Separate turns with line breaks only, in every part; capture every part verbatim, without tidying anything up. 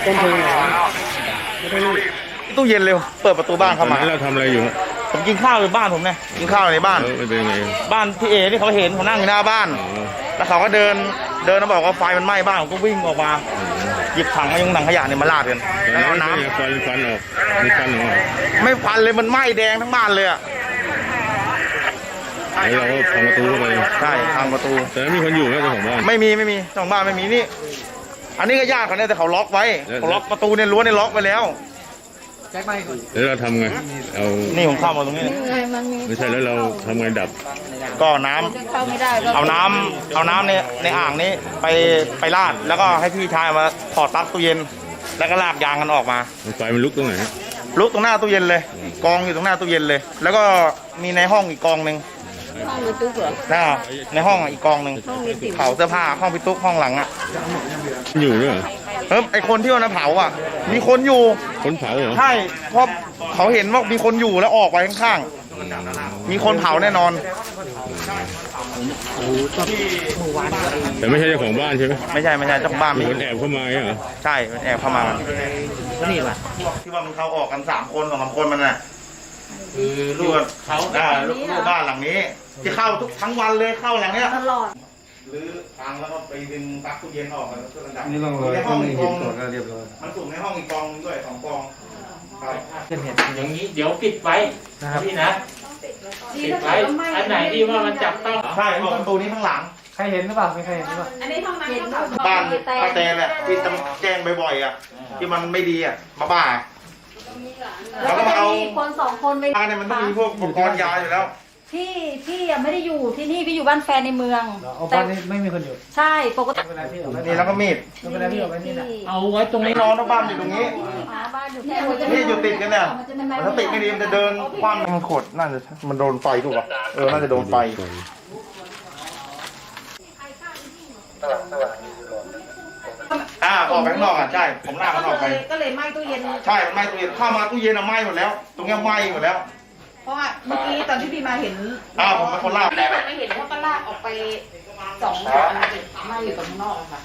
ต้นเพลิงไหนตู้เย็นเร็วเปิดประตูบ้านเข้ามา
เราทำอะไรอยู่
ผมกินข้าวในบ้านผมเนี่ยกินข้าวในบ้าน
เป็นไง
บ้านพี่เอที่เขาเห็นเขานั่งอยู่หน้าบ้านแล้วเขาก็เดินเดินมาบอกว่าไฟมันไหม้บ้านผมก็วิ่งออกมาหยิบถังมายุงถังขยะเนี่ยมาลาดกันแล้วเอาน้ำ
ฟันฟันออกมีฟันออก
ไม่ฟันเลยมันไหม้แดงทั้งบ้านเลยอ่ะ
แล้วเราก็พังประตูเข้าไป
ใช่พังประตู
แต่ไม่มีคนอยู่นะเจ้าของบ้าน
ไม่มีไม่มีเจ้าของบ้านไม่มีนี่อันนี้ก็ญาติเขาเนี่ยแต่เขาล็อกไว้เขาล็อกประตูเนี่ยรั้วเนี่ยล็อกไว้แล้ว
แจ็คไม่ก่อนแล้วเราทำไงเอา
นี่ผมเข้ามาตรงนี้
ไม่ใช่แล้วเราทำไงดับ
ก็น้ำเอาน้ำเอาน้ำในในอ่างนี้ไปไปราดแล้วก็ให้พี่ชายมาถอดปลั๊กตู้เย็นแล้วก็ลากยางกันออกมา
ไฟมันลุกตรงไหน
ลุกตรงหน้าตู้เย็นเลยกองอยู่ตรงหน้าตู้เย็นเลยแล้วก็มีในห้องอีกกองหนึ่ง
ห้องพี่ตุ๊กเหรอ
น่าในห้องอีกกองหนึ่งเผาเสื้อผ้าห้องพี่ตุ๊กห้องหลังอ่ะ
อยู่ด้วย
เฮ้ยไอคนที่วันนั้นเผาอ่ะมีคนอยู่
คนเผาเหรอ
ใช่เพราะเขาเห็นว่ามีคนอยู่แล้วออกไปข้างๆมีคนเผาแน่นอน
แต่ไม่ใช่เจ้าของบ้านใช่ไหม
ไม่ใช่ไม่ใช่เจ้าของบ้าน
มีคนแอบเข้ามาเหรอ
ใช่มันแอบเข้ามานี่แหละที่ว่ามันเข้าออกกันสามคนสองสามคนมันน่ะคือลูกเขาอ่าลูกบ้านหลังนี้ที่เข้าทุกทั้งวันเลยเข้าหลังเนี้ย
ตลอด
หรือพังแล้วก็ไปดึงปลั๊กตู้เย็นออกแล้วก็ระดับ
นี่ลองเลย
ในห้องอีกกอง
เรียบร้อย
มันสูงในห้องอีกกองด้วยสองกอง
อย่างนี้เดี๋ยวปิดไว้พี่นะปิดไว้อันไหนที่ว่ามันจับต้อง
ใช่ออกประตูนี้ข้างหลัง
ใครเห็นหรือเปล่าไม่ใครเห็นหรือเปล่า
อันนี้ห้องน้ำ
บ้านป้าแตนแหละที่แจ้งบ่อยๆอ่ะที่มันไม่ดีอ่ะมาบ้า
แล้วก็เอาคนสองคนไป
บ้านเนี่ยมันต้องมีพวกอุปกรณ์ยาอยู่แล้ว
พี่พี่ยังไม่ได้อยู่ที่นี่พี่อยู่บ้านแฟนในเมือง
แต่บ้านนี้ไม่มีคนอยู่
ใช่ปกติ
นี่แล้วก็มีด
เอาไว้ตรงนี้
นอนบ้านอยู่ตรงนี้นี่อยู่ติดกันเนี่ยถ้าติดไม่ดีมันจะเดินคว่ำมันขดน่าจะมันโดนไฟถูกป่ะเออน่าจะโดนไฟอ่าออกไปข้างนอกอ่ะใช่ผมลากมันออกไป
ก็เลยไหม้ตู้เย็น
ใช่ไหม้ตู้เย็นเข้ามาตู้เย็นอะไหม้หมดแล้วตรงนี้ไหม้หมดแล้ว
เพราะว่าเมื่อกี้ตอนที่พี่มาเห็น
อ้าวผมเป็นคนลาก
พี่ไม่เห็นว่าก็ลากออกไปสองคนไหม้อยู่ตรงนอกค่ะ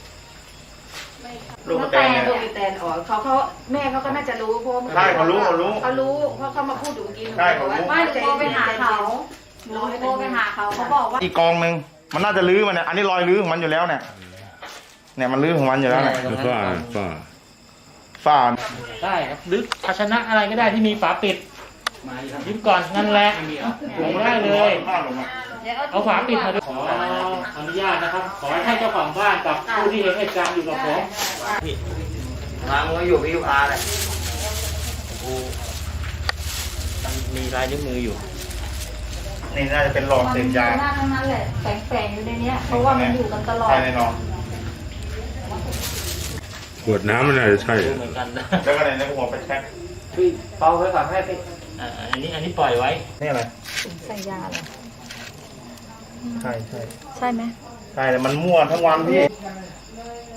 ลูกแตนลูกแตนอ๋อเขาเขาแม่เขาก็น่าจะรู้เพราะ
ใช่เขารู้เขารู้
เขารู้เพราะเขามาพูดอยู่เมื่อกี้
ใช่เขารู้
ว่าจะโทรไปหาเขาหนูโทรไปหาเขาเขาบอกว่า
อีกกองหนึ่งมันน่าจะลื้อมันเนี่ยอันนี้รอยลื้อของมันอยู่แล้วเนี่ยเนี่ยมันลื้อของมันอยู่แล้วเนี่ย
ฝ้าฝ้า
ฝ้า
ได้ครับหรือภาชนะอะไรก็ได้ที่มีฝาปิดยิ้มก่อนนั่นแหละลงได้เลยเอาฝาปิดมาด้วยขออนุญาตนะครับขอให้เจ้าของบ้านกับผู้ที่เห็นเหตุการณ์อยู่กับผม
มาเมื่ออยู่พี่ยูอาร์เลยมีลายนิ้วมืออยู่นี่น่าจะเป็นหลอดเสพยา
หน้าทั้งนั้นแหละแฝงๆอยู่ในนี้เพราะว่ามันอยู่กันตลอด
ใช่แน่นอน
ขวดน้ำมันน่าจะใช่
เหมือนกัน
แล้วก็ในนี้ผมไปแช็ค
พี่เป่าไว้ก่อนให้ไป
อันนี้อันนี้ปล่อยไว้
นี่อะไร
ใส่ยาเหรอ
ใช่ใช่
ใช่ไหม
ใช่แต่มันมั่วทั้งวันพี่